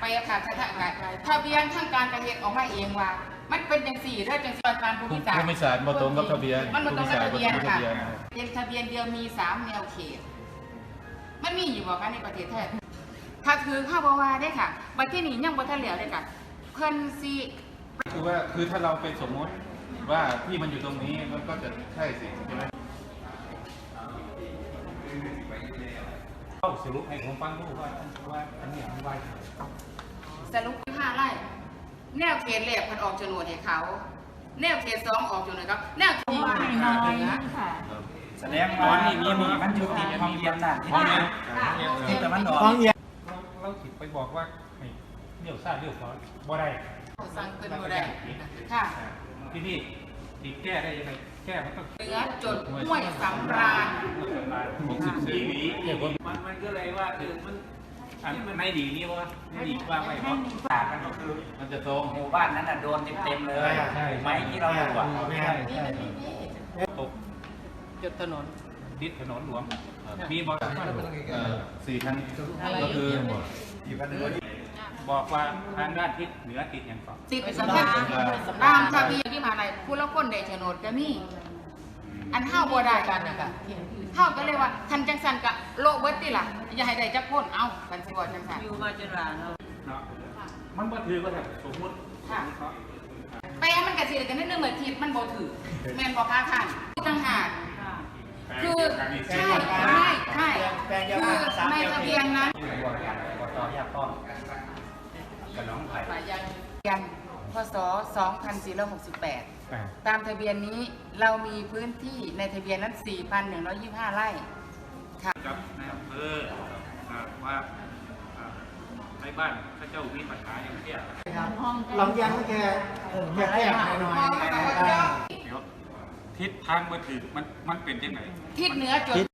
ไปค่ะทะเบียนทางการกระเทศออกมาเองว่ามันเป็นจังสี่เรื่องจังสี่การภูมิศาสตร์ภูมิศาสตร์มาตรงกับทะเบียนมันมาตรงกับทะเบียนค่ะเป็นทะเบียนเดียวมี3 แนวเขตมันมีอยู่บอกกันในประเทศไทยถ้าถือข้าวบาวาได้ค่ะบัดที่นี่ยังบ่ทันแล้วเลยค่ะเพิ่นสิคือถ้าเราไปสมมติว่าที่มันอยู่ตรงนี้มันก็จะใช่สิใช่ไหมสรุปให้ผมฟังดูว่าอันนี้มันไวสรุป5 ไร่แนวเขตแรกเพิ่นออกโฉนดให้เขาแนวเขต2ออกโฉนดครับแนวเขตน้อยค่ะแสดงว่านี่มีมันอยู่ที่ห้องเรียนน่ะห้องเรียนที่ตะวันออกห้องเรียนเราถิดไปบอกว่าเลี้ยวซ้ายเลี้ยวขวาบ่ได้สั่งเกินบ่ได้ค่ะพี่ติดแก้ได้ยังไงแก้มันต้องเหนือจดห้วยสำราญดีเนี่ยมันก็เลยว่ามันไม่ดีนี่ว่าไม่ดีว่าไม่เพราะต่างกันก็คือมันจะตรงหมู่บ้านนั้นโดนเต็มเลยไม้ที่เราดูอ่ะตกจุดถนนดิดถนนหลวงมีบอก 4 ครั้งก็คือบอกว่าทางด้านทิศเหนือติดอย่างต่อติดสำคัญตามทะเบียนที่มาในผู้ละคนได้โฉนดก็มีอันเฮาบ่ได้กันนะคะเฮาก็เลยว่าทันจังสันกะโลเบิดติล่ะอย่าให้ได้จักคนเอากันสิว่าจังสันอยู่มาจนหลานเนาะมันบ่ถือก็ได้สมมุติแต่มันก็สิได้กันนิดนึงเหมือนทิศมันบ่ถือแม่นบ่คะท่านต่างหากคือใช่คือในทะเบียนนั้นต่อยากต้องกระน้องไผ่ยันพศ2468ตามทะเบียนนี้เรามีพื้นที่ในทะเบียนนั้น 4,125 ไร่ค่ะครับในอำเภอว่าในบ้านพระเจ้ามีปัญหาอย่างเที่ยลองยังแค่น้อยทิศทางมาถึงมันเป็นยังไงทิศเหนือจด